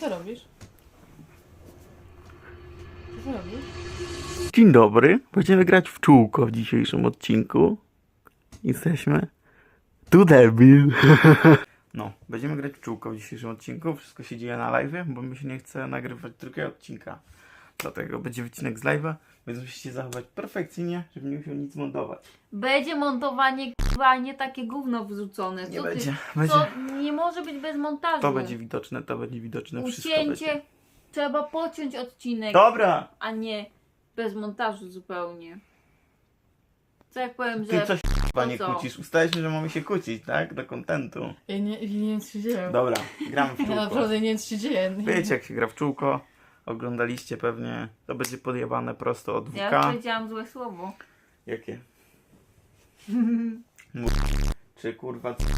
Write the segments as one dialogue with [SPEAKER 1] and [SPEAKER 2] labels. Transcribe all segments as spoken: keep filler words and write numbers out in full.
[SPEAKER 1] co robisz? Co ty robisz?
[SPEAKER 2] Dzień dobry, będziemy grać w czółko w dzisiejszym odcinku. Jesteśmy tu debil. No, będziemy grać w czółko w dzisiejszym odcinku. Wszystko się dzieje na live, bo mi się nie chce nagrywać drugiego odcinka. Dlatego będzie wycinek z live'a, więc musicie zachować perfekcyjnie, żeby nie musiał nic montować.
[SPEAKER 3] Będzie montowanie k***a, nie takie gówno wrzucone. Co
[SPEAKER 2] Nie
[SPEAKER 3] ty?
[SPEAKER 2] będzie, będzie.
[SPEAKER 3] Co? Nie może być bez montażu.
[SPEAKER 2] To będzie widoczne, to będzie widoczne, wszystko będzie.
[SPEAKER 3] Ucięcie. Trzeba pociąć odcinek,
[SPEAKER 2] Dobra!
[SPEAKER 3] a nie bez montażu zupełnie. Co jak powiem,
[SPEAKER 2] Ty
[SPEAKER 3] że...
[SPEAKER 2] coś chyba nie
[SPEAKER 3] co?
[SPEAKER 2] kłócisz. Ustaliliśmy, że mamy się kłócić, tak? Do kontentu.
[SPEAKER 1] Ja nie, ja nie wiem, co się dzieje.
[SPEAKER 2] Dobra, gramy w
[SPEAKER 1] Ja
[SPEAKER 2] czółko.
[SPEAKER 1] naprawdę nie wiem, co się dzieje.
[SPEAKER 2] Wiecie, jak się gra w czółko. Oglądaliście pewnie. To będzie podjebane prosto od
[SPEAKER 3] Ja
[SPEAKER 2] W K.
[SPEAKER 3] powiedziałam złe słowo.
[SPEAKER 2] Jakie? Mów. Czy kurwa... c-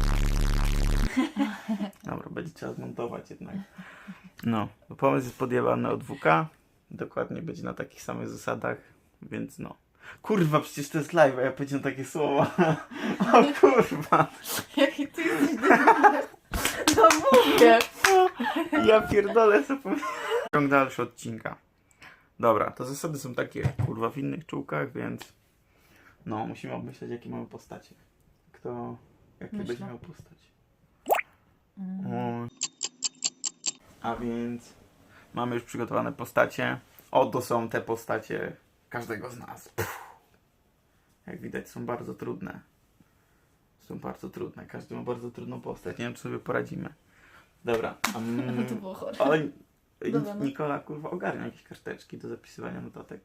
[SPEAKER 2] Dobra, będzie trzeba zmontować jednak. No, bo pomysł jest podjebany od W K. Dokładnie będzie na takich samych zasadach, więc no. Kurwa, przecież to jest live, a ja powiedziałem takie słowa. O kurwa.
[SPEAKER 1] Jaki ty jesteś debilem. No mówię.
[SPEAKER 2] Ja pierdolę sobie. Ciąg dalszy odcinka. Dobra, to zasady są takie, kurwa, w innych czółkach, więc no, musimy obmyśleć, jakie mamy postacie. Kto, jakie
[SPEAKER 1] Myślę.
[SPEAKER 2] będzie miał postać.
[SPEAKER 1] Mm.
[SPEAKER 2] O. A więc mamy już przygotowane postacie. Oto są te postacie każdego z nas. Puh. Jak widać, są bardzo trudne. Są bardzo trudne. Każdy ma bardzo trudną postać. Nie wiem, czy sobie poradzimy. Dobra. Um,
[SPEAKER 1] To było chore.
[SPEAKER 2] ale
[SPEAKER 1] Dobra, no.
[SPEAKER 2] Nikola, kurwa, ogarnia jakieś karteczki do zapisywania notatek.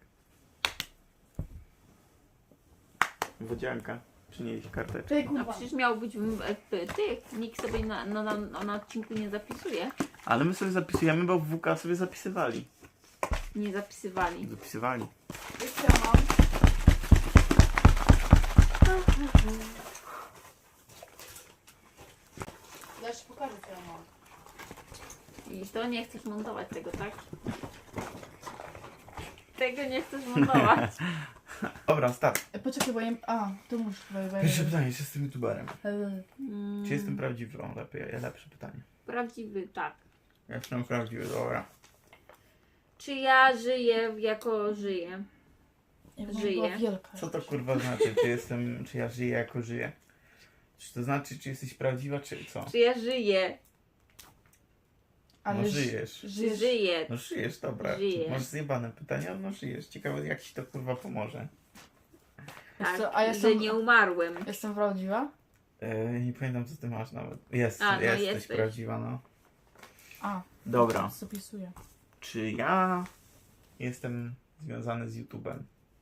[SPEAKER 2] Wodzianka, przynieś karteczki.
[SPEAKER 1] Ty
[SPEAKER 3] A
[SPEAKER 1] kurwa.
[SPEAKER 3] przecież miał być w F P. Ty, nikt sobie na, na, na, na odcinku nie zapisuje.
[SPEAKER 2] Ale my sobie zapisujemy, bo w W K sobie zapisywali.
[SPEAKER 3] Nie zapisywali.
[SPEAKER 2] Zapisywali.
[SPEAKER 1] Wiesz, ja mam. Ja ci pokażę, co ja mam.
[SPEAKER 3] I to nie chcesz montować tego, tak? Tego nie chcesz montować.
[SPEAKER 2] Dobra, start.
[SPEAKER 1] E, Poczekaj, bo ja... A, tu muszę... Bo, bo,
[SPEAKER 2] Pierwsze pytanie, czy jestem youtuberem?
[SPEAKER 1] E,
[SPEAKER 3] Mm,
[SPEAKER 2] Czy jestem prawdziwy? O, lepiej, lepsze pytanie.
[SPEAKER 3] Prawdziwy, tak.
[SPEAKER 2] Ja jestem prawdziwy, dobra.
[SPEAKER 3] Czy ja żyję jako żyję?
[SPEAKER 1] ja bym
[SPEAKER 3] Żyje.
[SPEAKER 1] była wielka.
[SPEAKER 2] Co to kurwa znaczy? Czy jestem, czy ja żyję jako żyję? Czy to znaczy, czy jesteś prawdziwa, czy co?
[SPEAKER 3] Czy ja żyję?
[SPEAKER 1] Ale
[SPEAKER 2] No
[SPEAKER 1] ży-
[SPEAKER 2] żyjesz.
[SPEAKER 3] Czy
[SPEAKER 1] Żyjesz.
[SPEAKER 3] żyję?
[SPEAKER 2] No żyjesz, dobra.
[SPEAKER 3] Żyję.
[SPEAKER 2] Masz zjebane pytania, no żyjesz. Ciekawe, jak ci to kurwa pomoże.
[SPEAKER 3] Tak,
[SPEAKER 1] co, a ja
[SPEAKER 3] że
[SPEAKER 1] sam-
[SPEAKER 3] nie umarłem.
[SPEAKER 1] Jestem prawdziwa?
[SPEAKER 2] Yy, nie pamiętam, co ty masz nawet. Jest,
[SPEAKER 3] A, no
[SPEAKER 2] jesteś,
[SPEAKER 3] jesteś.
[SPEAKER 2] prawdziwa, no.
[SPEAKER 1] A.
[SPEAKER 2] Dobra.
[SPEAKER 1] Zapisuję.
[SPEAKER 2] Czy ja jestem związany z YouTube'em,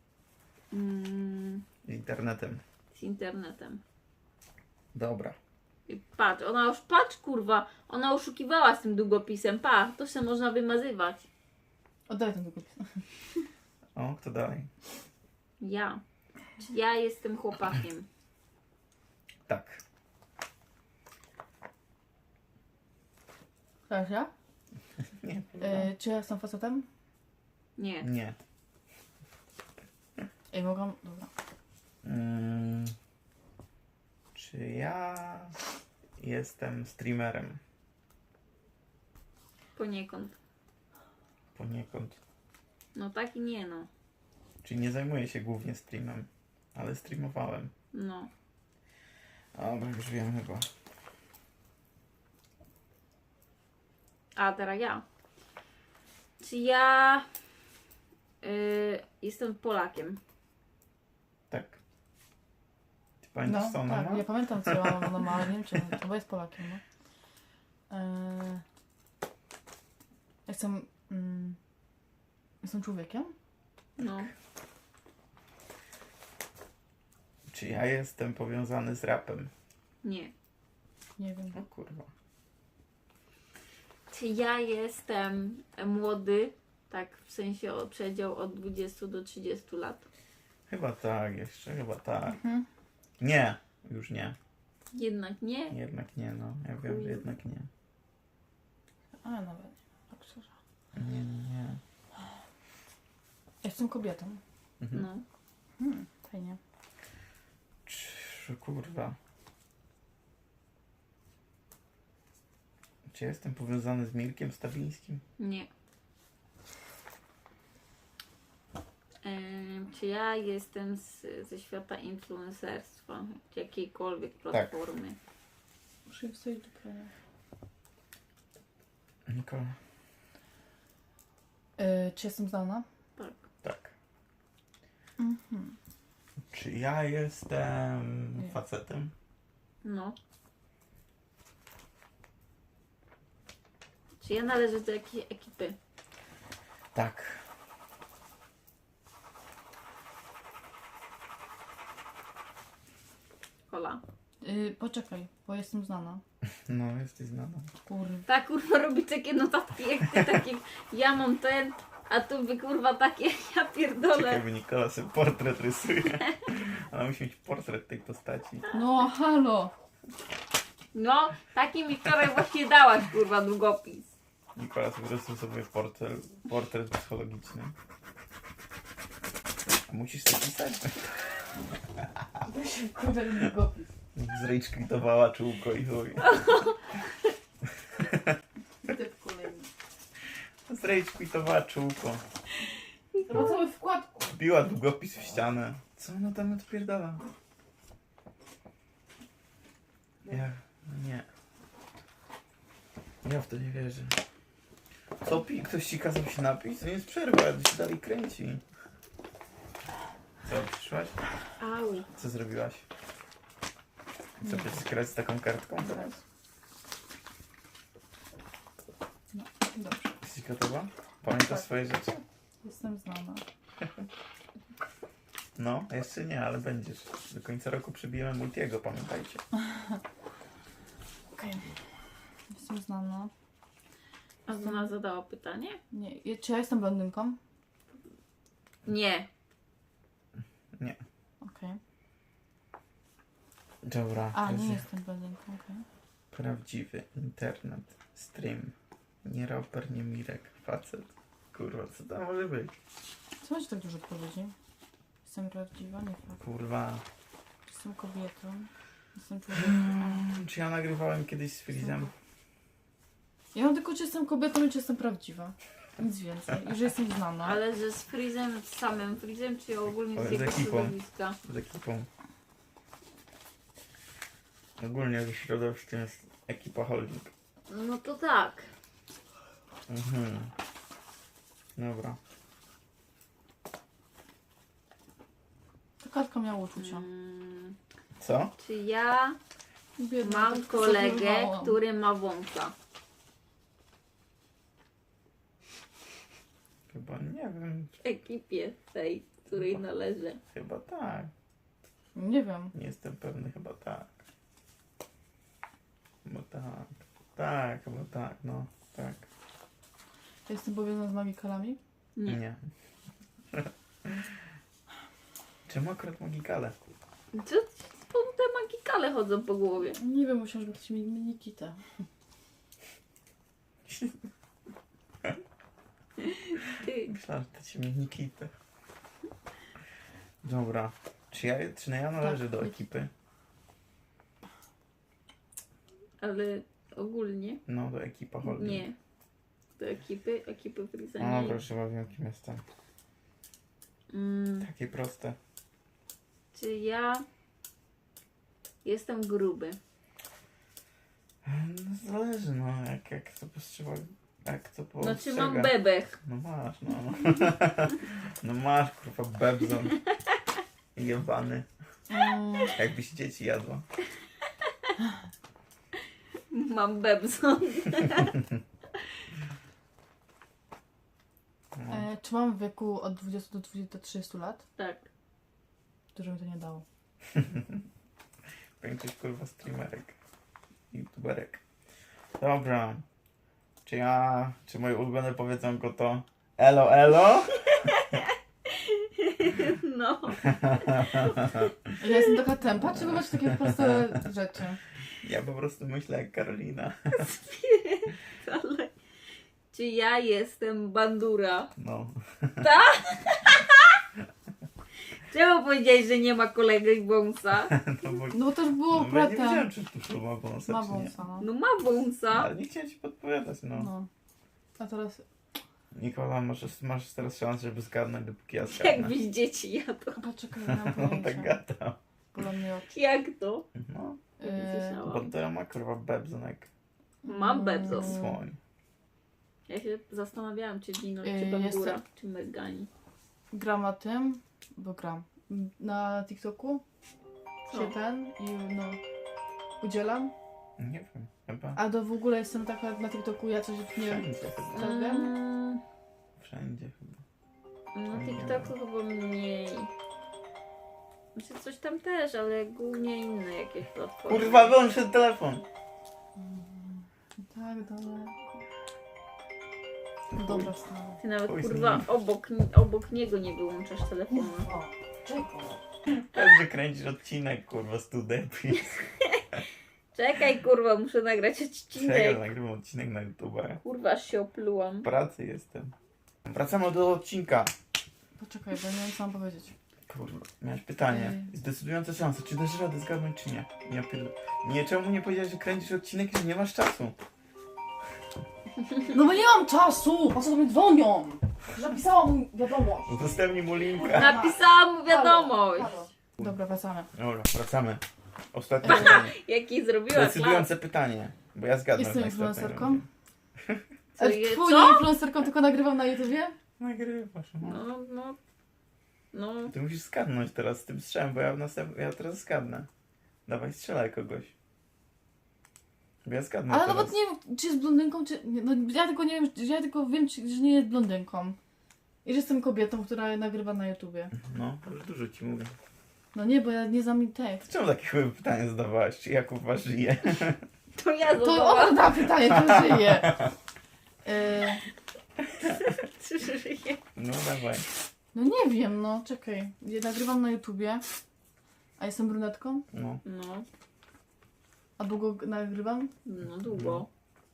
[SPEAKER 3] Mm,
[SPEAKER 2] z internetem?
[SPEAKER 3] z internetem.
[SPEAKER 2] Dobra.
[SPEAKER 3] I patrz, ona już, patrz kurwa, ona oszukiwała z tym długopisem, pa, to się można wymazywać.
[SPEAKER 1] Oddaj ten długopis.
[SPEAKER 2] O, kto dalej?
[SPEAKER 3] Ja. Czy ja jestem chłopakiem?
[SPEAKER 2] Tak.
[SPEAKER 1] Teraz ja?
[SPEAKER 2] Nie.
[SPEAKER 1] E, czy ja jestem facetem?
[SPEAKER 3] Nie.
[SPEAKER 2] Nie.
[SPEAKER 1] Ej, mogę... Dobra.
[SPEAKER 2] Mm, czy ja jestem streamerem?
[SPEAKER 3] Poniekąd.
[SPEAKER 2] Poniekąd.
[SPEAKER 3] No tak i nie no.
[SPEAKER 2] Czyli nie zajmuję się głównie streamem, ale streamowałem.
[SPEAKER 3] No.
[SPEAKER 2] Dobra, już wiem chyba.
[SPEAKER 3] A teraz ja. Czy ja y, jestem Polakiem?
[SPEAKER 2] Tak. Ty pamiętasz,
[SPEAKER 1] No,
[SPEAKER 2] co ona
[SPEAKER 1] tak,
[SPEAKER 2] ma?
[SPEAKER 1] ja pamiętam, co ja ona ma, ale nie wiem, czy to bo jest Polakiem, no. E, jestem... Mm, jestem człowiekiem?
[SPEAKER 3] No.
[SPEAKER 2] Czy ja jestem powiązany z rapem?
[SPEAKER 3] Nie.
[SPEAKER 1] Nie wiem.
[SPEAKER 2] O kurwa.
[SPEAKER 3] Czy ja jestem młody? Tak, w sensie o przedział od dwudziestu do trzydziestu lat.
[SPEAKER 2] Chyba tak, jeszcze chyba tak.
[SPEAKER 1] Mhm.
[SPEAKER 2] Nie, już nie.
[SPEAKER 3] Jednak nie.
[SPEAKER 2] Jednak nie, no. Ja wiem, że jednak nie.
[SPEAKER 1] A, nawet nie. Tak szczerze.
[SPEAKER 2] Nie, nie, nie.
[SPEAKER 1] Jestem kobietą.
[SPEAKER 2] Mhm.
[SPEAKER 3] No.
[SPEAKER 1] Hmm, fajnie.
[SPEAKER 2] Czy, kurwa. Czy ja jestem powiązany z Mirkiem Stawińskim?
[SPEAKER 3] Nie. Em, czy ja jestem z, ze świata influencerstwa? Czy jakiejkolwiek platformy?
[SPEAKER 1] Muszę je wstawić do prania.
[SPEAKER 2] Nikola.
[SPEAKER 1] Yy, czy jestem znana?
[SPEAKER 3] Tak.
[SPEAKER 2] Tak.
[SPEAKER 1] Mhm.
[SPEAKER 2] Czy ja jestem
[SPEAKER 1] Nie.
[SPEAKER 2] facetem?
[SPEAKER 3] No. Czy ja należę do jakiej ekipy?
[SPEAKER 2] Tak.
[SPEAKER 3] Kola.
[SPEAKER 1] Yy, poczekaj, bo jestem znana.
[SPEAKER 2] No, jesteś znana.
[SPEAKER 1] Kurwa.
[SPEAKER 3] Ta kurwa robi takie notatki jak ty, takie ja mam ten, a tu wy kurwa takie, ja pierdolę.
[SPEAKER 2] Czekaj, bo Nikola sobie portret rysuje. Ona musi mieć portret tej postaci.
[SPEAKER 1] No halo!
[SPEAKER 3] No, taki mi wczoraj właśnie dałaś kurwa długopis.
[SPEAKER 2] Nikola sobie rysuje sobie portret, portret psychologiczny. A musisz to pisać?
[SPEAKER 1] Kurwa, długopis.
[SPEAKER 2] Zrejczkwitowała czółko i chuj.
[SPEAKER 1] Typ kolejny.
[SPEAKER 2] Zrejczkwitowała czółko.
[SPEAKER 1] To ma cały wkładku.
[SPEAKER 2] Biła długopis w ścianę. Co ona tam odpierdala? Ja... nie. Ja w to nie wierzę. Co pi? Ktoś ci kazał się napić? To nie jest przerwa, ale się dalej kręci. Co, przyszłaś?
[SPEAKER 3] Au.
[SPEAKER 2] Co zrobiłaś? Co, będziesz grać z taką kartką teraz?
[SPEAKER 1] No, dobrze.
[SPEAKER 2] Jesteś gotowa? Pamiętasz
[SPEAKER 1] Tak.
[SPEAKER 2] swoje rzeczy?
[SPEAKER 1] Jestem znana.
[SPEAKER 2] No, jeszcze nie, ale będziesz. Do końca roku przybijemy Multiego, pamiętajcie.
[SPEAKER 1] Okej. Jestem znana.
[SPEAKER 3] A ona zadała pytanie?
[SPEAKER 1] Nie. je- Czy ja jestem blondynką?
[SPEAKER 3] Nie.
[SPEAKER 2] Nie.
[SPEAKER 1] Okej.
[SPEAKER 2] Dobra.
[SPEAKER 1] A,
[SPEAKER 2] to
[SPEAKER 1] nie
[SPEAKER 2] jest
[SPEAKER 1] jestem blondynką, okej.
[SPEAKER 2] Prawdziwy internet, stream. Nie raper, nie Mirek, facet. Kurwa, co to może być?
[SPEAKER 1] Co macie tak dużo odpowiedzi? Jestem prawdziwa, nie fakt.
[SPEAKER 2] Kurwa.
[SPEAKER 1] Jestem kobietą. Jestem człowiekiem.
[SPEAKER 2] Czy ja nagrywałem kiedyś z Freezem?
[SPEAKER 1] Ja mam tylko, czy jestem kobietą i czy jestem prawdziwa. Nic więcej. I że jestem znana.
[SPEAKER 3] Ale że z Freezem, z samym Freezem, czy ogólnie
[SPEAKER 2] Ale
[SPEAKER 3] z
[SPEAKER 2] z
[SPEAKER 3] jego
[SPEAKER 2] ekipą.
[SPEAKER 3] środowiska?
[SPEAKER 2] Z ekipą. Ogólnie w środowisku jest ekipa holding.
[SPEAKER 3] No to tak.
[SPEAKER 2] Mhm. Dobra.
[SPEAKER 1] Ta kartka miała uczucia.
[SPEAKER 3] Mm,
[SPEAKER 2] Co?
[SPEAKER 3] czy ja
[SPEAKER 1] Biedna,
[SPEAKER 3] mam
[SPEAKER 1] tak
[SPEAKER 3] kolegę,
[SPEAKER 1] zawołałam.
[SPEAKER 3] który ma wąsa?
[SPEAKER 2] Chyba nie wiem.
[SPEAKER 3] W ekipie tej, której należę.
[SPEAKER 2] Chyba tak.
[SPEAKER 1] Nie wiem.
[SPEAKER 2] Nie jestem pewny, chyba tak. Chyba tak. Tak, chyba tak, no. Tak.
[SPEAKER 1] Ja jestem powiązana z magikalami?
[SPEAKER 3] Nie.
[SPEAKER 2] Nie. Czemu akurat magikale?
[SPEAKER 3] Co co te magikale chodzą po głowie?
[SPEAKER 1] Nie wiem, musiałam, żeby ktoś mi Nikitę.
[SPEAKER 3] Ty.
[SPEAKER 2] Myślałem, że to ci mnie Nikita. Dobra. Czy ja, czy ja należę
[SPEAKER 1] Tak.
[SPEAKER 2] do ekipy?
[SPEAKER 3] Ale ogólnie
[SPEAKER 2] No, do ekipa holding.
[SPEAKER 3] nie. Do ekipy, ekipy Freeza
[SPEAKER 2] No
[SPEAKER 3] nie.
[SPEAKER 2] dobra, chyba wiem, kim jestem.
[SPEAKER 3] Mm,
[SPEAKER 2] Takie proste.
[SPEAKER 3] czy ja jestem gruby?
[SPEAKER 2] No, zależy, no, jak, jak to postrzega. Jak to
[SPEAKER 3] No czy
[SPEAKER 2] postrzega.
[SPEAKER 3] mam bebech?
[SPEAKER 2] No masz, no. No masz, kurwa, bebzon. Jebany.
[SPEAKER 1] Mm,
[SPEAKER 2] Jakbyś dzieci jadła.
[SPEAKER 3] Mam bebzon.
[SPEAKER 2] No.
[SPEAKER 1] e, czy mam w wieku od dwudziestu do dwudziestu do trzydziestu lat?
[SPEAKER 3] Tak.
[SPEAKER 1] Dużo mi to nie dało.
[SPEAKER 2] Większość, kurwa, streamerek. YouTuberek. Dobra. Czy ja, czy moje ulubione powiedzonko to elo, elo?
[SPEAKER 3] No.
[SPEAKER 1] Ja jestem taka tempa, czy wy macie takie proste rzeczy?
[SPEAKER 2] Ja po prostu myślę jak Karolina.
[SPEAKER 3] Ale... Czy ja jestem bandura?
[SPEAKER 2] No.
[SPEAKER 3] Tak? Czemu powiedziałeś, że nie ma kolegi wąsa?
[SPEAKER 2] No bo,
[SPEAKER 1] No bo to już było
[SPEAKER 2] no, bo ja nie
[SPEAKER 1] pretem.
[SPEAKER 2] wiedziałem, czy tu ma wąsa,
[SPEAKER 1] Ma
[SPEAKER 2] czy nie.
[SPEAKER 1] wąsa, no.
[SPEAKER 3] No ma wąsa.
[SPEAKER 2] Ale nie chciałem ci podpowiadać, no.
[SPEAKER 1] no. A teraz...
[SPEAKER 2] Nikola, masz, masz teraz szansę, żeby zgadnąć, dopóki ja zgadnę.
[SPEAKER 3] Jakbyś dzieci jadł.
[SPEAKER 1] Poczekaj, nie mam
[SPEAKER 2] On tak
[SPEAKER 1] pojęcia.
[SPEAKER 2] gada.
[SPEAKER 1] Bolą mnie oczy.
[SPEAKER 3] Jak to?
[SPEAKER 2] No,
[SPEAKER 3] Nie
[SPEAKER 1] Yy,
[SPEAKER 3] słyszałam.
[SPEAKER 2] bo to ma kurwa bebzonek.
[SPEAKER 3] Mam bebzos.
[SPEAKER 1] Mm.
[SPEAKER 2] Słoń.
[SPEAKER 3] Ja się zastanawiałam, czy Dino,
[SPEAKER 1] Yy,
[SPEAKER 3] czy Bambura,
[SPEAKER 1] jestem-
[SPEAKER 3] czy Mergani.
[SPEAKER 1] gram na tym, bo gram. Na TikToku
[SPEAKER 3] Co?
[SPEAKER 1] się ten i no udzielam.
[SPEAKER 2] Nie wiem, chyba.
[SPEAKER 1] A to w ogóle jestem taka na TikToku, ja coś nie wiem.
[SPEAKER 2] Wszędzie chyba.
[SPEAKER 1] Tak wiem?
[SPEAKER 3] Mm,
[SPEAKER 2] Wszędzie chyba.
[SPEAKER 3] na TikToku chyba mniej. Znaczy coś tam też, ale głównie inne jakieś platformy.
[SPEAKER 2] Kurwa, wyłącz ten telefon!
[SPEAKER 1] Tak, daleko. No dobra, stary.
[SPEAKER 3] Ty nawet
[SPEAKER 2] Oj,
[SPEAKER 3] kurwa
[SPEAKER 2] zmienił.
[SPEAKER 3] obok, obok niego nie wyłączasz telefonu.
[SPEAKER 1] O, czekaj.
[SPEAKER 2] Tak, że kręcisz odcinek, kurwa, studepi.
[SPEAKER 3] Czekaj kurwa, muszę nagrać
[SPEAKER 2] Czekaj,
[SPEAKER 3] odcinek.
[SPEAKER 2] nagrywam odcinek na YouTube.
[SPEAKER 3] Kurwa, aż się oplułam.
[SPEAKER 2] W pracy jestem. Wracamy do odcinka.
[SPEAKER 1] Poczekaj, bo nie wiem co mam powiedzieć.
[SPEAKER 2] Kurwa, miałeś pytanie.
[SPEAKER 1] Ej.
[SPEAKER 2] Zdecydująca szansa, czy dasz radę zgadnąć, czy nie? Ja pierd... Nie, czemu nie powiedziałeś, że kręcisz odcinek i że nie masz czasu?
[SPEAKER 1] No bo nie mam czasu! Po co do mnie dzwonią? Napisałam mu wiadomość.
[SPEAKER 2] Udostępnij mu linka.
[SPEAKER 3] Napisałam mu wiadomość.
[SPEAKER 1] Halo. Dobra, wracamy.
[SPEAKER 2] Dobra, wracamy. Ostatnie pytanie.
[SPEAKER 3] Jaki zrobiła klas.
[SPEAKER 2] Decydujące pytanie. Bo ja zgadnę.
[SPEAKER 1] Jestem
[SPEAKER 2] w najistotnej
[SPEAKER 1] influencerką?
[SPEAKER 2] rundzie.
[SPEAKER 3] Co,
[SPEAKER 1] Ale
[SPEAKER 3] je-
[SPEAKER 1] twój
[SPEAKER 3] co?
[SPEAKER 1] influencerką tylko nagrywam na YouTubie?
[SPEAKER 2] Nagrywasz. No.
[SPEAKER 3] No, no. No.
[SPEAKER 2] Ty musisz zgadnąć teraz z tym strzałem, bo ja, następ... ja teraz zgadnę. Dawaj, strzelaj kogoś. Bo ja zgadnę
[SPEAKER 1] Ale
[SPEAKER 2] teraz.
[SPEAKER 1] nawet nie wiem, czy jest blondynką, czy... nie, No ja tylko nie wiem, ja tylko wiem, czy, że nie jest blondynką. I że jestem kobietą, która nagrywa na YouTubie.
[SPEAKER 2] No, to już dużo ci mówię.
[SPEAKER 1] No nie, bo ja nie znam jej tekst.
[SPEAKER 2] Czemu takie chyba pytanie zadawałaś? Czy Jakub was żyje?
[SPEAKER 3] To ja
[SPEAKER 1] To
[SPEAKER 3] zadałam.
[SPEAKER 1] ona da pytanie, to żyje. Yy,
[SPEAKER 3] Czy żyje?
[SPEAKER 2] No dawaj.
[SPEAKER 1] no nie wiem, no czekaj. Ja nagrywam na YouTubie. A jestem brunetką?
[SPEAKER 2] No.
[SPEAKER 3] No.
[SPEAKER 1] A długo g- nagrywam?
[SPEAKER 3] No długo.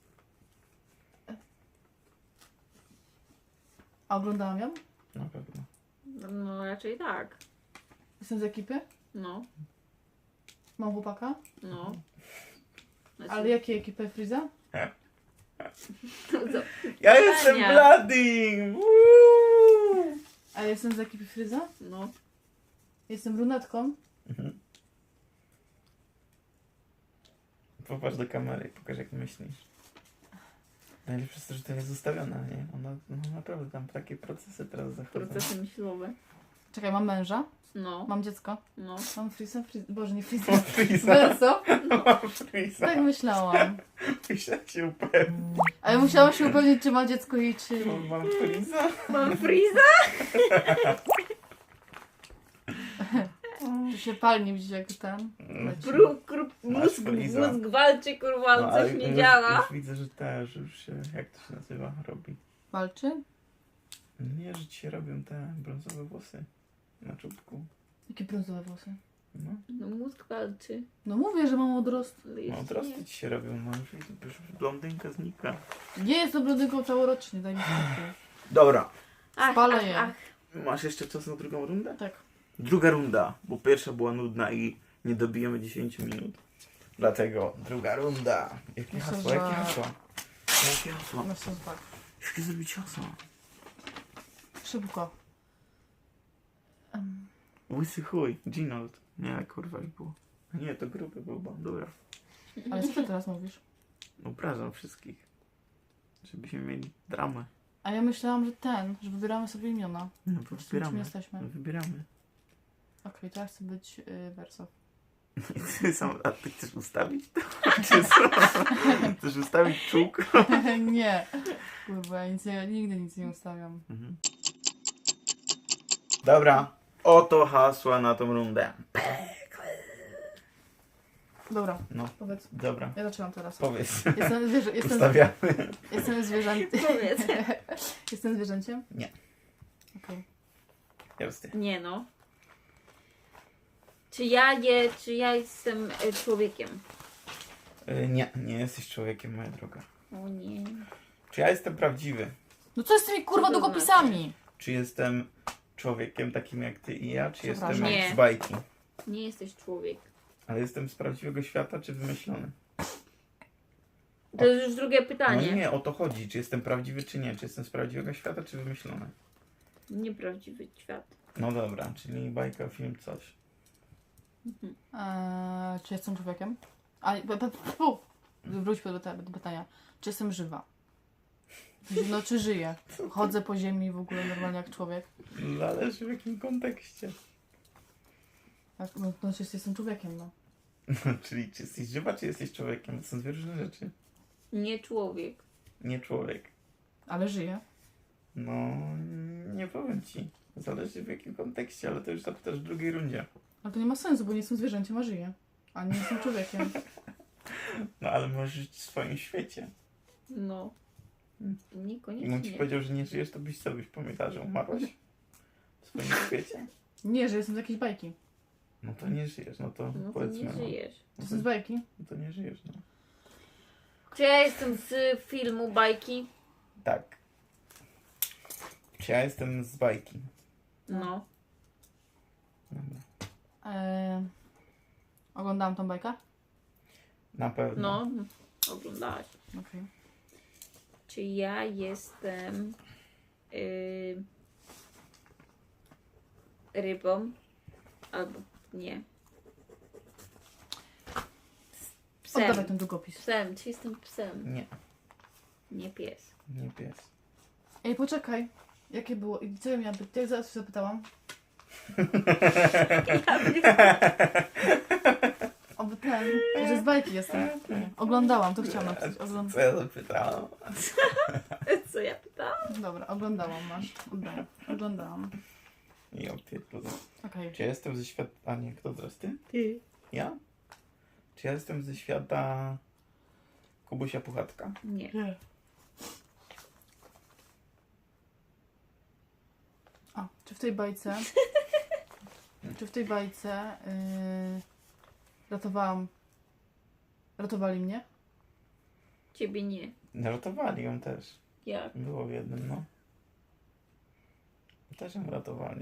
[SPEAKER 1] A oglądałam ją?
[SPEAKER 2] Na pewno.
[SPEAKER 3] No raczej tak.
[SPEAKER 1] Jestem z ekipy?
[SPEAKER 3] No.
[SPEAKER 1] Mam chłopaka?
[SPEAKER 3] No. Znaczy,
[SPEAKER 1] Ale jakiej ekipy? Friza?
[SPEAKER 3] co?
[SPEAKER 2] Ja jestem
[SPEAKER 3] Pytania.
[SPEAKER 2] Bloody! Woo!
[SPEAKER 1] A jestem z ekipy Friza?
[SPEAKER 3] No.
[SPEAKER 1] Jestem brunetką?
[SPEAKER 2] Mhm. Popatrz do kamery i pokaż jak myślisz. Najlepsze jest to, że to jest zostawione, nie? Ona, no naprawdę tam takie procesy teraz zachodzą.
[SPEAKER 3] Procesy myślowe.
[SPEAKER 1] Czekaj, mam męża?
[SPEAKER 3] No.
[SPEAKER 1] Mam dziecko?
[SPEAKER 3] No.
[SPEAKER 1] Mam Friza? Friza? Boże, nie Friza.
[SPEAKER 2] Mam Freeza.
[SPEAKER 1] Verso?
[SPEAKER 2] Mam Freeza.
[SPEAKER 1] Tak myślałam.
[SPEAKER 2] Musiałem się upewnić.
[SPEAKER 1] Ale musiałam się upewnić, czy ma dziecko i czy...
[SPEAKER 2] Mam Freeza.
[SPEAKER 3] Mam Freeza?
[SPEAKER 1] Czy się palnie widzisz jak ten? leci.
[SPEAKER 3] Krup, krup,
[SPEAKER 2] Masz
[SPEAKER 3] mózg,
[SPEAKER 2] Freeza.
[SPEAKER 3] mózg walczy, kurwa, ale
[SPEAKER 2] No,
[SPEAKER 3] coś
[SPEAKER 2] ale
[SPEAKER 3] nie
[SPEAKER 2] już,
[SPEAKER 3] działa.
[SPEAKER 2] Już widzę, że też, już się, jak to się nazywa, robi.
[SPEAKER 1] Walczy?
[SPEAKER 2] Nie, że ci się robią te brązowe włosy na czubku.
[SPEAKER 1] Jakie brązowe włosy?
[SPEAKER 2] No,
[SPEAKER 3] No mózg walczy.
[SPEAKER 1] No mówię, że mam odrost.
[SPEAKER 3] Ale
[SPEAKER 2] no
[SPEAKER 3] jeszcze
[SPEAKER 2] odrosty
[SPEAKER 3] nie.
[SPEAKER 2] ci się robią, no już, już blondynka znika.
[SPEAKER 1] Nie jestem blondynką całorocznie, daj mi spokój.
[SPEAKER 2] Dobra,
[SPEAKER 3] Ach,
[SPEAKER 1] Spalę
[SPEAKER 3] ach,
[SPEAKER 1] je.
[SPEAKER 3] ach.
[SPEAKER 2] masz jeszcze czas na drugą rundę?
[SPEAKER 1] Tak.
[SPEAKER 2] Druga runda, bo pierwsza była nudna i nie dobijemy dziesięć minut. Dlatego druga runda. Jakie
[SPEAKER 1] Myślę,
[SPEAKER 2] hasło,
[SPEAKER 1] że-
[SPEAKER 2] jakie hasło? Jakie hasło?
[SPEAKER 1] No są tak.
[SPEAKER 2] Jakie zrobić hasło?
[SPEAKER 1] Szybko. Um,
[SPEAKER 2] Łysy chuj, Ginold. Nie, kurwa jak było. Nie, to gruby był bandura.
[SPEAKER 1] ale co ty teraz mówisz?
[SPEAKER 2] Obrażam wszystkich. Żebyśmy mieli dramę.
[SPEAKER 1] A ja myślałam, że ten, że wybieramy sobie imiona.
[SPEAKER 2] No to
[SPEAKER 1] Czym
[SPEAKER 2] wybieramy.
[SPEAKER 1] jesteśmy?
[SPEAKER 2] No, wybieramy.
[SPEAKER 1] Okej, to ja chcę być y, Verso.
[SPEAKER 2] I ty sam, a ty chcesz ustawić to? Czy co? Chcesz ustawić czółko?
[SPEAKER 1] Nie. Kurwa, ja nic nie, nigdy nic nie ustawiam.
[SPEAKER 2] Mhm. Dobra, oto hasła na tą rundę.
[SPEAKER 1] Dobra,
[SPEAKER 2] No,
[SPEAKER 1] powiedz.
[SPEAKER 2] dobra,
[SPEAKER 1] Ja zaczynam teraz.
[SPEAKER 2] powiedz.
[SPEAKER 1] Jestem, zwierzę, jestem,
[SPEAKER 2] Ustawiamy.
[SPEAKER 1] jestem zwierzęciem.
[SPEAKER 3] Powiedz.
[SPEAKER 1] Jestem zwierzęciem?
[SPEAKER 2] Nie.
[SPEAKER 1] Okej.
[SPEAKER 2] Jasne.
[SPEAKER 3] Nie no. Czy ja je, czy ja jestem e, człowiekiem?
[SPEAKER 2] Y, nie, nie jesteś człowiekiem, moja droga.
[SPEAKER 3] O nie.
[SPEAKER 2] Czy ja jestem prawdziwy?
[SPEAKER 1] No co z tymi kurwa
[SPEAKER 3] Co to
[SPEAKER 1] długopisami?
[SPEAKER 2] Czy jestem człowiekiem takim jak ty i ja, czy jestem
[SPEAKER 1] Przepraszam.
[SPEAKER 2] jak
[SPEAKER 3] Nie.
[SPEAKER 2] z bajki?
[SPEAKER 3] Nie jesteś człowiek.
[SPEAKER 2] Ale jestem z prawdziwego świata, czy wymyślony?
[SPEAKER 3] To jest już drugie
[SPEAKER 2] No
[SPEAKER 3] pytanie.
[SPEAKER 2] nie, o to chodzi. Czy jestem prawdziwy, czy nie? Czy jestem z prawdziwego świata, czy wymyślony?
[SPEAKER 3] Nieprawdziwy świat.
[SPEAKER 2] No dobra, czyli bajka, film, coś.
[SPEAKER 1] Eee, czy jestem człowiekiem? A, p- p- fu, wróćmy do, te, do pytania. Czy jestem żywa? No, czy żyję? Chodzę po ziemi w ogóle normalnie jak człowiek?
[SPEAKER 2] Zależy w jakim kontekście.
[SPEAKER 1] Tak, no, no czy jestem człowiekiem, no.
[SPEAKER 2] Czyli czy jesteś żywa, czy jesteś człowiekiem? To są dwie różne rzeczy.
[SPEAKER 3] Nie człowiek.
[SPEAKER 2] Nie człowiek.
[SPEAKER 1] Ale żyję.
[SPEAKER 2] No, nie powiem ci. Zależy w jakim kontekście, ale to już zapytasz w drugiej rundzie.
[SPEAKER 1] Ale to nie ma sensu, bo nie jestem zwierzęciem, a żyję. A nie jestem człowiekiem.
[SPEAKER 2] No ale możesz żyć w swoim świecie.
[SPEAKER 3] No.
[SPEAKER 2] Hmm. I on ci
[SPEAKER 3] Niekoniecznie.
[SPEAKER 2] powiedział, że nie żyjesz, to byś co byś pamiętał, że umarłaś? W swoim świecie?
[SPEAKER 1] Nie, że jestem z jakiejś bajki.
[SPEAKER 2] No to nie żyjesz, no to
[SPEAKER 3] No to
[SPEAKER 2] powiedzmy.
[SPEAKER 3] nie
[SPEAKER 2] no.
[SPEAKER 3] żyjesz.
[SPEAKER 2] No
[SPEAKER 1] Jestem z
[SPEAKER 2] to,
[SPEAKER 1] bajki.
[SPEAKER 2] no to nie żyjesz, no.
[SPEAKER 3] Czy ja jestem z filmu bajki?
[SPEAKER 2] Tak. Czy ja jestem z bajki?
[SPEAKER 3] No.
[SPEAKER 2] Dobra.
[SPEAKER 1] Eee, oglądałam tą bajkę?
[SPEAKER 2] Na pewno.
[SPEAKER 3] No. Oglądałaś.
[SPEAKER 1] Okej.
[SPEAKER 3] Czy ja jestem yy, rybą? Albo nie. Psem.
[SPEAKER 1] Oddawaj ten długopis.
[SPEAKER 3] Psem. Czy jestem psem?
[SPEAKER 2] Nie,
[SPEAKER 3] Nie pies.
[SPEAKER 2] nie pies.
[SPEAKER 1] Ej, poczekaj. Jakie było? I co ja miałam być? Jak zaraz się zapytałam? Oby ten, że z bajki jestem. Nie. Oglądałam, to chciałam napisać. Ogląd...
[SPEAKER 2] Co ja zapytałam?
[SPEAKER 3] Co ja pytałam?
[SPEAKER 1] Dobra, oglądałam, masz. Oddaję. Oglądałam.
[SPEAKER 2] I opierdolę.
[SPEAKER 1] Okej.
[SPEAKER 2] Czy ja jestem ze świata... A nie, kto teraz ty?
[SPEAKER 3] Ty.
[SPEAKER 2] Ja? Czy ja jestem ze świata Kubusia Puchatka?
[SPEAKER 3] Nie.
[SPEAKER 1] Nie. A, czy w tej bajce... czy w tej bajce... Yy, ratowałam... Ratowali mnie?
[SPEAKER 3] Ciebie nie.
[SPEAKER 2] Ratowali ją też.
[SPEAKER 3] Jak?
[SPEAKER 2] Było w jednym, no. Też ją ratowali.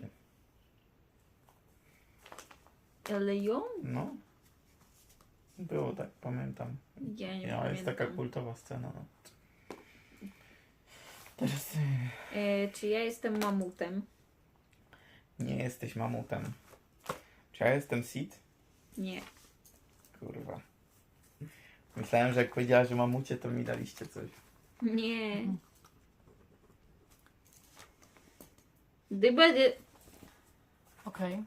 [SPEAKER 3] Ale ją?
[SPEAKER 2] No. Było tak, pamiętam.
[SPEAKER 3] Ja nie
[SPEAKER 2] Ja,
[SPEAKER 3] pamiętam.
[SPEAKER 2] jest taka kultowa scena, no. Teraz ty.
[SPEAKER 3] E, czy ja jestem mamutem?
[SPEAKER 2] Nie jesteś mamutem. Czy ja jestem Sid?
[SPEAKER 3] Nie.
[SPEAKER 2] Kurwa. Myślałem, że jak powiedziała, że mamucie, to mi daliście coś.
[SPEAKER 3] Nie. Dybedy.
[SPEAKER 1] Okej.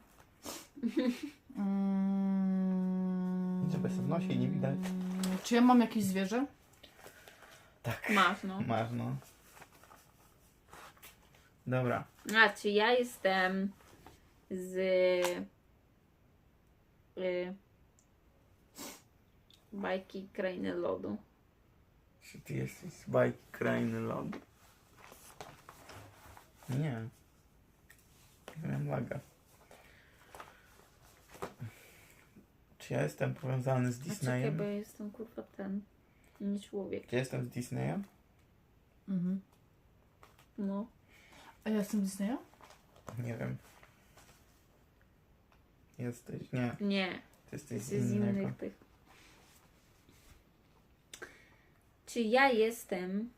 [SPEAKER 1] Mm,
[SPEAKER 2] Żeby sobie w nosie nie widać.
[SPEAKER 1] Czy ja mam jakieś zwierzę?
[SPEAKER 2] Tak.
[SPEAKER 3] Masz, no.
[SPEAKER 2] Masz, no. Dobra.
[SPEAKER 3] A, czy ja jestem z... Y, bajki Krainy Lodu?
[SPEAKER 2] Czy ty jesteś z bajki Krainy Lodu? Nie. Nie miałem laga. Czy ja jestem powiązany z
[SPEAKER 3] A czekaj, bo
[SPEAKER 2] Disneyem?
[SPEAKER 3] ja jestem kurwa ten... Nie człowiek.
[SPEAKER 2] Czy ja jestem z Disneya?
[SPEAKER 1] Mhm.
[SPEAKER 3] No.
[SPEAKER 1] A ja jestem Disneya?
[SPEAKER 2] Nie wiem. Jesteś. Nie.
[SPEAKER 3] Nie.
[SPEAKER 2] Ty jesteś z
[SPEAKER 3] Jesteś z
[SPEAKER 2] innego.
[SPEAKER 3] innych tych. Czy ja jestem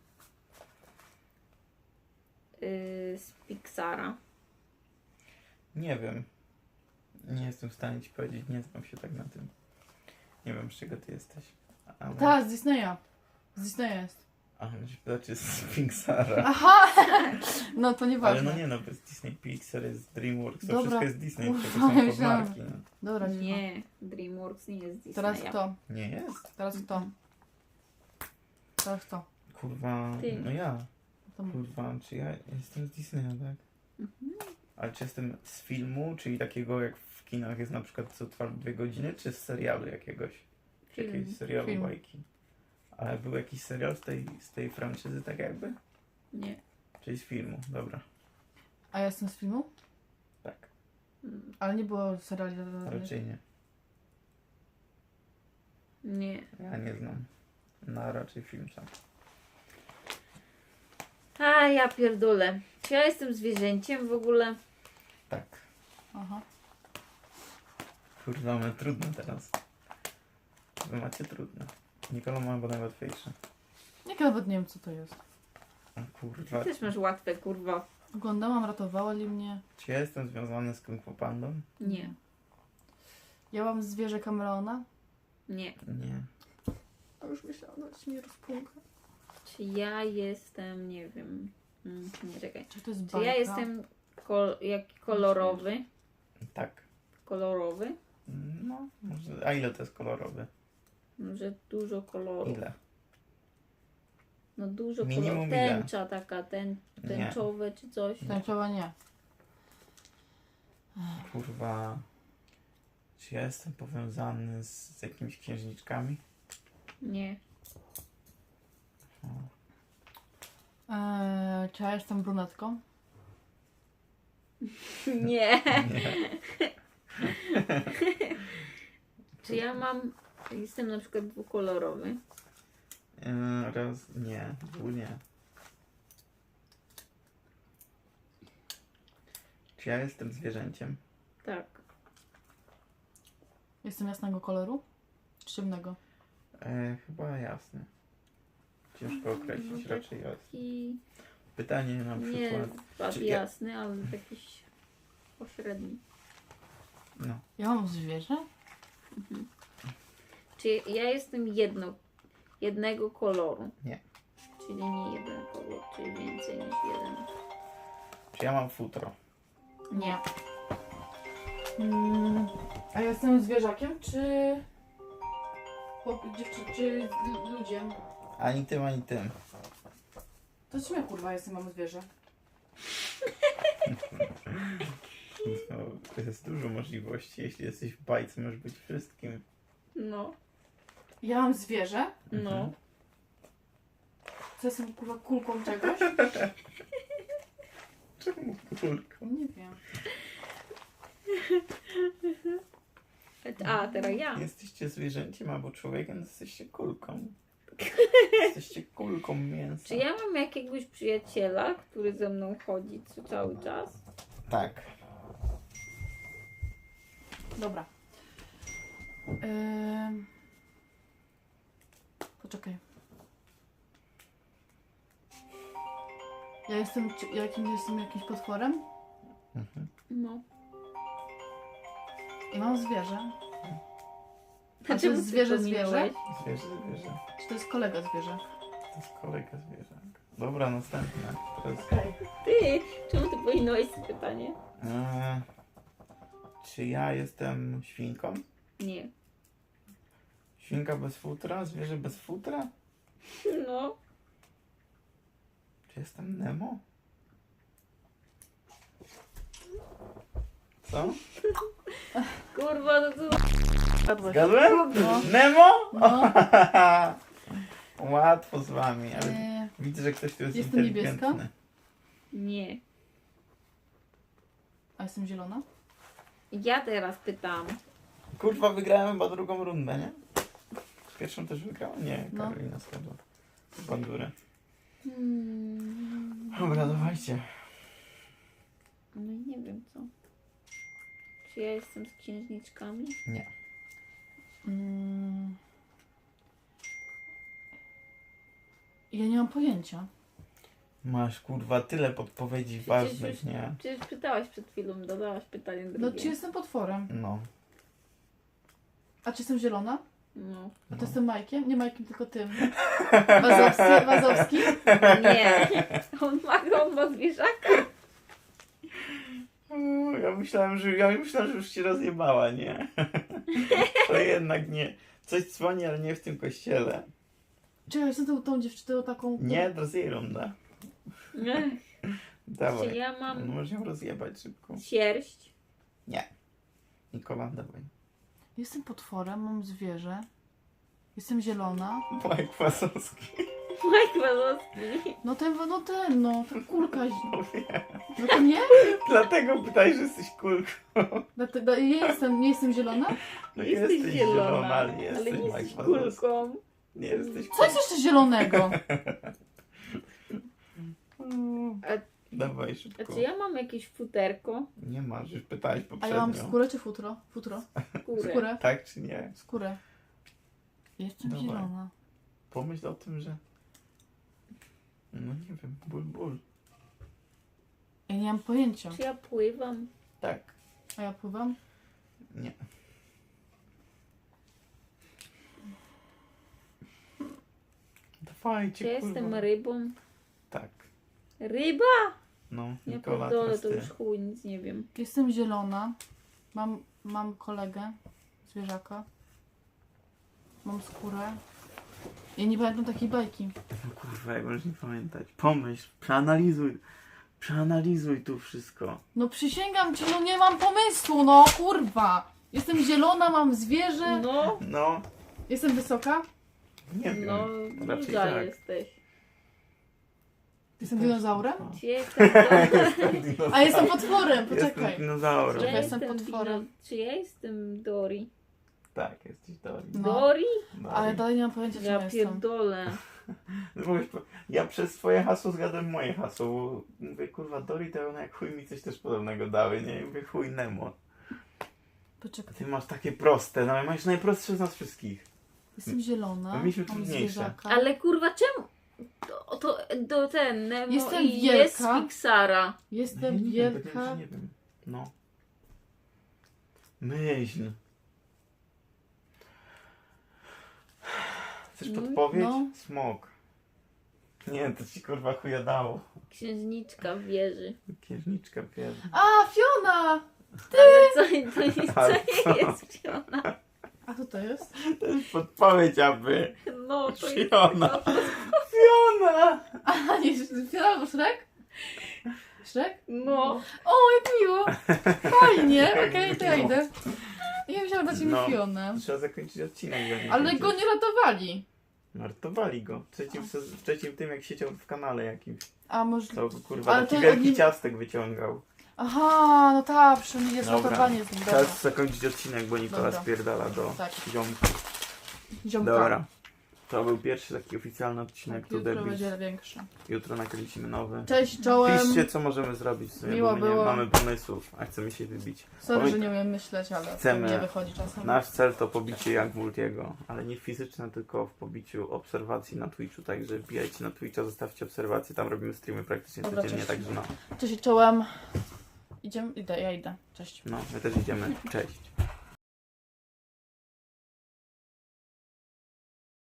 [SPEAKER 3] y, z Pixara?
[SPEAKER 2] Nie wiem. Nie jestem w stanie ci powiedzieć. Nie znam się tak na tym. Nie wiem, z czego ty jesteś. Ale...
[SPEAKER 1] Tak, z Disneya. Z Disneya jest.
[SPEAKER 2] A, znaczy z Pixara.
[SPEAKER 1] Aha! No to
[SPEAKER 2] Ale
[SPEAKER 1] nieważne.
[SPEAKER 2] no nie no, bo jest Disney Pixar, jest DreamWorks, to
[SPEAKER 1] Dobra.
[SPEAKER 2] wszystko jest Disney,
[SPEAKER 1] Ufa,
[SPEAKER 2] tylko są
[SPEAKER 1] myślałam.
[SPEAKER 2] podmarki. No.
[SPEAKER 1] Dobra, cicho.
[SPEAKER 3] Nie, DreamWorks nie jest z Disneya.
[SPEAKER 1] Teraz kto?
[SPEAKER 2] Nie jest?
[SPEAKER 1] Teraz kto? Teraz kto?
[SPEAKER 2] Kurwa,
[SPEAKER 3] Ty.
[SPEAKER 2] no ja.
[SPEAKER 1] To mów.
[SPEAKER 2] Kurwa, czy ja jestem z Disneya, tak?
[SPEAKER 3] Mhm.
[SPEAKER 2] Ale czy jestem z filmu, czyli takiego jak w kinach jest na przykład co trwa dwie godziny, czy z serialu jakiegoś? Czy
[SPEAKER 3] Film.
[SPEAKER 2] jakiegoś serialu
[SPEAKER 1] Film.
[SPEAKER 2] bajki? Ale był jakiś serial z tej, z tej franczyzy tak jakby?
[SPEAKER 3] Nie.
[SPEAKER 2] Czyli z filmu, dobra.
[SPEAKER 1] A ja jestem z filmu?
[SPEAKER 2] Tak,
[SPEAKER 3] Mm,
[SPEAKER 1] Ale nie było seriali.
[SPEAKER 2] raczej nie.
[SPEAKER 3] Nie.
[SPEAKER 2] Ja nie znam. No raczej film sam.
[SPEAKER 3] A ja pierdolę. Czy ja jestem zwierzęciem w ogóle?
[SPEAKER 1] Aha.
[SPEAKER 2] Kurwa, mamy trudne teraz. Wy macie trudne. Nikola ma chyba najłatwiejsze.
[SPEAKER 1] Jak ja nawet nie wiem, co to jest.
[SPEAKER 2] O kurwa.
[SPEAKER 3] Też masz łatwe, kurwa.
[SPEAKER 1] Oglądałam, ratowali mnie.
[SPEAKER 2] Czy ja jestem związany z Kung Fu Pandą?
[SPEAKER 3] Nie.
[SPEAKER 1] Ja mam zwierzę kameleona.
[SPEAKER 3] Nie.
[SPEAKER 2] Nie.
[SPEAKER 1] A już myślałam, że mi rozpunka.
[SPEAKER 3] Czy ja jestem, nie wiem... Mm, nie, czekaj.
[SPEAKER 1] Czy to jest
[SPEAKER 3] Czy
[SPEAKER 1] bajka?
[SPEAKER 3] ja jestem kol jak kolorowy?
[SPEAKER 2] Tak.
[SPEAKER 3] Kolorowy?
[SPEAKER 2] No, może. A ile to jest kolorowy?
[SPEAKER 3] Może dużo kolorów.
[SPEAKER 2] Ile?
[SPEAKER 3] No dużo
[SPEAKER 2] Minimum
[SPEAKER 3] kolorów.
[SPEAKER 2] ile?
[SPEAKER 3] Tęcza taka, ten, tęczowe czy coś.
[SPEAKER 1] Tęczowa nie.
[SPEAKER 2] Kurwa. Czy ja jestem powiązany z, z jakimiś księżniczkami?
[SPEAKER 3] Nie.
[SPEAKER 1] Eee, czy ja jestem brunetką?
[SPEAKER 3] Nie.
[SPEAKER 2] Nie.
[SPEAKER 3] Czy ja mam... Jestem na przykład dwukolorowy?
[SPEAKER 2] Yy, raz. Nie. Dwu nie. Czy ja jestem zwierzęciem?
[SPEAKER 3] Tak.
[SPEAKER 1] Jestem jasnego koloru? Czy ciemnego?
[SPEAKER 2] E, chyba jasne. Ciężko określić,
[SPEAKER 3] No
[SPEAKER 2] raczej jasne.
[SPEAKER 3] I
[SPEAKER 2] Pytanie na
[SPEAKER 3] nie
[SPEAKER 2] przykład.
[SPEAKER 3] bardzo
[SPEAKER 2] czy ja-
[SPEAKER 3] jasny, ale jakiś pośredni.
[SPEAKER 2] No.
[SPEAKER 1] Ja mam zwierzę?
[SPEAKER 3] Czy ja jestem jedno, jednego koloru?
[SPEAKER 2] Nie.
[SPEAKER 3] Czyli nie jeden kolor, czyli więcej niż jeden.
[SPEAKER 2] Czy ja mam futro?
[SPEAKER 3] Nie.
[SPEAKER 1] Mm, a ja jestem zwierzakiem, czy... chłop- dziewczyn, czy l- ludziem?
[SPEAKER 2] Ani tym, ani tym.
[SPEAKER 1] To czym ja kurwa jestem, mam zwierzę?
[SPEAKER 2] No, to jest dużo możliwości. Jeśli jesteś w bajce, możesz być wszystkim.
[SPEAKER 3] No.
[SPEAKER 1] Ja mam zwierzę?
[SPEAKER 3] No.
[SPEAKER 2] Mhm.
[SPEAKER 1] Co jestem kurwa kulką czegoś?
[SPEAKER 2] Czemu kurko?
[SPEAKER 1] Nie wiem.
[SPEAKER 3] A, teraz ja.
[SPEAKER 2] Jesteście zwierzęciem albo człowiekiem, to jesteście kulką. Jesteście kulką mięsa.
[SPEAKER 3] Czy ja mam jakiegoś przyjaciela, który ze mną chodzi co cały czas?
[SPEAKER 2] Tak.
[SPEAKER 1] Dobra. Ym... Poczekaj. Ja jestem, czy- jakim jestem jakimś potworem?
[SPEAKER 2] Mhm.
[SPEAKER 3] No.
[SPEAKER 1] I mam zwierzę. A to
[SPEAKER 3] Czemu
[SPEAKER 1] jest
[SPEAKER 3] ty
[SPEAKER 1] zwierzę
[SPEAKER 3] pominąłeś?
[SPEAKER 1] zwierzę?
[SPEAKER 2] Zwierzę, zwierzę.
[SPEAKER 1] Czy to jest kolega zwierzę?
[SPEAKER 2] To jest kolega zwierzę. Dobra, następne. Teraz,
[SPEAKER 3] Ty! Czemu ty pominąłeś to pytanie?
[SPEAKER 2] e, czy ja jestem świnką?
[SPEAKER 3] Nie.
[SPEAKER 2] Świnka bez futra? Zwierzę bez futra?
[SPEAKER 3] No.
[SPEAKER 2] Czy jestem Nemo? Co?
[SPEAKER 3] Kurwa, no to...
[SPEAKER 2] Zgadłem?
[SPEAKER 1] No.
[SPEAKER 2] Nemo?
[SPEAKER 1] No.
[SPEAKER 2] Łatwo z wami, ale
[SPEAKER 1] Eee,
[SPEAKER 2] widzę, że ktoś tu jest
[SPEAKER 1] Jestem
[SPEAKER 2] inteligentny.
[SPEAKER 1] niebieska?
[SPEAKER 3] Nie.
[SPEAKER 1] a jestem zielona?
[SPEAKER 3] Ja teraz pytam.
[SPEAKER 2] Kurwa, wygrałem chyba drugą rundę, nie? Pierwszą też wygrałem? Nie,
[SPEAKER 1] No.
[SPEAKER 2] Karolina skradła. Bandurę.
[SPEAKER 3] Hmm.
[SPEAKER 2] Dobra, dawajcie.
[SPEAKER 3] No i nie wiem co. Czy ja jestem z księżniczkami?
[SPEAKER 2] Nie.
[SPEAKER 1] Mm. Ja nie mam pojęcia.
[SPEAKER 2] Masz kurwa tyle podpowiedzi
[SPEAKER 3] Przecież
[SPEAKER 2] ważnych,
[SPEAKER 3] już-
[SPEAKER 2] nie?
[SPEAKER 3] Przecież pytałaś przed chwilą, dodałaś pytanie drugie.
[SPEAKER 1] No czy jestem potworem?
[SPEAKER 2] No.
[SPEAKER 1] A czy jestem zielona?
[SPEAKER 3] No.
[SPEAKER 1] A to
[SPEAKER 2] No.
[SPEAKER 1] jestem Majkiem? Nie Majkiem, tylko tym. Wazowski? Wazowski?
[SPEAKER 3] Nie. On ma, on ma zwierzaka.
[SPEAKER 2] O, Ja myślałem, że ja myślałem, że już cię rozjebała, nie? To jednak nie. Coś dzwoni, ale nie w tym kościele.
[SPEAKER 1] Czy ja jestem tą, tą dziewczyną taką...
[SPEAKER 2] Nie, to jest jej runda.
[SPEAKER 3] Czy
[SPEAKER 2] Dawaj.
[SPEAKER 3] ja
[SPEAKER 2] No,
[SPEAKER 3] mam
[SPEAKER 2] możesz ją rozjebać szybko.
[SPEAKER 3] sierść?
[SPEAKER 2] Nikola, dawaj.
[SPEAKER 1] Jestem potworem, mam zwierzę. Jestem zielona.
[SPEAKER 2] Mike Wasowski.
[SPEAKER 3] Mike Wazowski.
[SPEAKER 1] No ten, no ten, no. Ta kulka. zi-
[SPEAKER 2] No wiem.
[SPEAKER 1] No to nie?
[SPEAKER 2] Dlatego pytaj, że jesteś kulką.
[SPEAKER 1] Dlatego, nie jestem, nie jestem zielona?
[SPEAKER 2] No
[SPEAKER 3] Jesteś
[SPEAKER 2] jesteś zielona, ale nie
[SPEAKER 3] ale
[SPEAKER 2] jesteś
[SPEAKER 3] nie
[SPEAKER 2] Mike
[SPEAKER 3] jesteś
[SPEAKER 2] Wazowski.
[SPEAKER 3] kulką.
[SPEAKER 2] Nie jesteś
[SPEAKER 1] Co jest jeszcze zielonego?
[SPEAKER 2] Dawaj
[SPEAKER 3] A
[SPEAKER 2] szybko.
[SPEAKER 3] czy ja mam jakieś futerko?
[SPEAKER 2] Nie masz, już pytałeś
[SPEAKER 1] A
[SPEAKER 2] poprzednio.
[SPEAKER 1] ja mam skórę czy futro? Futro.
[SPEAKER 3] Skórę.
[SPEAKER 1] Skórę.
[SPEAKER 2] Tak czy nie?
[SPEAKER 1] Skórę. Jestem
[SPEAKER 2] Dawaj.
[SPEAKER 1] zielona.
[SPEAKER 2] Pomyśl o tym, że... No nie wiem, ból, ból.
[SPEAKER 1] Ja nie mam pojęcia.
[SPEAKER 3] Czy ja pływam?
[SPEAKER 2] Tak.
[SPEAKER 1] A ja pływam?
[SPEAKER 2] Nie. Dawajcie,
[SPEAKER 3] Czy ja
[SPEAKER 2] kurwa.
[SPEAKER 3] jestem rybą?
[SPEAKER 2] Tak.
[SPEAKER 3] Ryba?
[SPEAKER 2] No,
[SPEAKER 3] Ja
[SPEAKER 2] Nikola,
[SPEAKER 3] pierdolę,
[SPEAKER 2] teraz
[SPEAKER 3] to
[SPEAKER 2] ty.
[SPEAKER 3] już chuj, nic nie wiem.
[SPEAKER 1] Jestem zielona. Mam, mam kolegę, zwierzaka. Mam skórę. Ja nie pamiętam takiej bajki.
[SPEAKER 2] No kurwa, jak możesz nie pamiętać. Pomyśl, przeanalizuj. Przeanalizuj tu wszystko.
[SPEAKER 1] No przysięgam ci, no nie mam pomysłu, no kurwa. Jestem zielona, mam zwierzę.
[SPEAKER 3] No,
[SPEAKER 2] No,
[SPEAKER 1] Jestem wysoka.
[SPEAKER 2] nie wiem.
[SPEAKER 3] no,
[SPEAKER 2] Raczej
[SPEAKER 3] duża
[SPEAKER 2] tak.
[SPEAKER 3] jesteś.
[SPEAKER 1] Jestem dinozaurem.
[SPEAKER 3] Czy ja jestem do...
[SPEAKER 1] A jestem potworem,
[SPEAKER 2] Jestem
[SPEAKER 1] poczekaj.
[SPEAKER 2] dinozaurem.
[SPEAKER 3] Czy ja
[SPEAKER 1] jestem
[SPEAKER 3] jestem
[SPEAKER 1] potworem.
[SPEAKER 3] dino- Czy ja jestem Dory?
[SPEAKER 2] Tak, jesteś Dori.
[SPEAKER 1] No.
[SPEAKER 3] Dory?
[SPEAKER 2] Dori.
[SPEAKER 1] Ale dalej nie mam pojęcia, czym
[SPEAKER 3] Ja
[SPEAKER 1] ja jestem.
[SPEAKER 3] pierdolę.
[SPEAKER 2] No bo wiesz, Ja przez twoje hasło zgadłem moje hasło. Bo mówię, kurwa, Dori to ona jak chuj mi coś też podobnego dały, nie? I mówię, chuj Nemo.
[SPEAKER 1] Poczekaj.
[SPEAKER 2] Ty masz takie proste, no masz najprostsze z nas wszystkich.
[SPEAKER 1] Jestem zielona.
[SPEAKER 2] My mieliśmy
[SPEAKER 1] Mam
[SPEAKER 2] trudniejsze.
[SPEAKER 1] zwierzaka.
[SPEAKER 3] Ale kurwa, czemu? To, to, to ten Nemo
[SPEAKER 1] Jestem
[SPEAKER 3] i jest z
[SPEAKER 1] wielka.
[SPEAKER 3] Pixara.
[SPEAKER 1] Jestem
[SPEAKER 2] No nie wiem, powiedziałem,
[SPEAKER 1] wielka.
[SPEAKER 2] że nie wiem. No. Myśl. Chcesz
[SPEAKER 3] No,
[SPEAKER 2] podpowiedź?
[SPEAKER 1] no.
[SPEAKER 2] Smok. Nie, to ci kurwa chuja dało.
[SPEAKER 3] Księżniczka w wieży.
[SPEAKER 2] Księżniczka pierwsza.
[SPEAKER 1] A, Fiona!
[SPEAKER 3] Ale co, to, nic,
[SPEAKER 2] Ale
[SPEAKER 3] co
[SPEAKER 2] co?
[SPEAKER 3] nie jest Fiona?
[SPEAKER 1] A co to jest?
[SPEAKER 2] To jest podpowiedź, aby.
[SPEAKER 3] No, to jest
[SPEAKER 2] Fiona. Fiona!
[SPEAKER 1] A, nie, Fiona albo Shrek? Shrek?
[SPEAKER 3] No.
[SPEAKER 1] O, jak miło! Fajnie, okej, to ja idę. Ja myślałam dać mi
[SPEAKER 2] No.
[SPEAKER 1] Fionę.
[SPEAKER 2] Trzeba zakończyć odcinek. go nie
[SPEAKER 1] Ale
[SPEAKER 2] kończyć.
[SPEAKER 1] go nie ratowali.
[SPEAKER 2] Martowali go. W trzecim, sez- w trzecim tym, jak siedział w kanale jakimś.
[SPEAKER 1] A może...
[SPEAKER 2] To kurwa
[SPEAKER 1] Ale
[SPEAKER 2] taki
[SPEAKER 1] to
[SPEAKER 2] wielki
[SPEAKER 1] oni-
[SPEAKER 2] ciastek wyciągał.
[SPEAKER 1] Aha, no tak, przynajmniej jest
[SPEAKER 2] Dobra.
[SPEAKER 1] ratowanie z nim. Dobra.
[SPEAKER 2] Czas zakończyć odcinek, bo Nikola
[SPEAKER 1] Dobra.
[SPEAKER 2] spierdala do
[SPEAKER 1] Tak.
[SPEAKER 2] ziomka.
[SPEAKER 1] Ziomka.
[SPEAKER 2] Dobra. To był pierwszy taki oficjalny odcinek
[SPEAKER 1] Tak,
[SPEAKER 2] tu
[SPEAKER 1] jutro
[SPEAKER 2] debil.
[SPEAKER 1] będzie większe.
[SPEAKER 2] Jutro nakręcimy nowy.
[SPEAKER 1] Cześć, czołem.
[SPEAKER 2] Piszcie, co możemy zrobić w sumie,
[SPEAKER 1] Miło
[SPEAKER 2] bo my nie
[SPEAKER 1] było.
[SPEAKER 2] mamy pomysłów, a chcemy się wybić.
[SPEAKER 1] Sorry,
[SPEAKER 2] Powiedz-
[SPEAKER 1] że nie umiem myśleć, ale
[SPEAKER 2] Chcemy.
[SPEAKER 1] to nie wychodzi czasem.
[SPEAKER 2] Nasz cel to pobicie jak Multiego, ale nie fizyczne, tylko w pobiciu obserwacji na Twitchu, także wbijajcie na Twitcha, zostawcie obserwacje, tam robimy streamy praktycznie
[SPEAKER 1] Dobra,
[SPEAKER 2] codziennie,
[SPEAKER 1] cześć.
[SPEAKER 2] także no,
[SPEAKER 1] Cześć, czołem. Idziemy? Idę, ja idę. Cześć.
[SPEAKER 2] no, my też idziemy, cześć.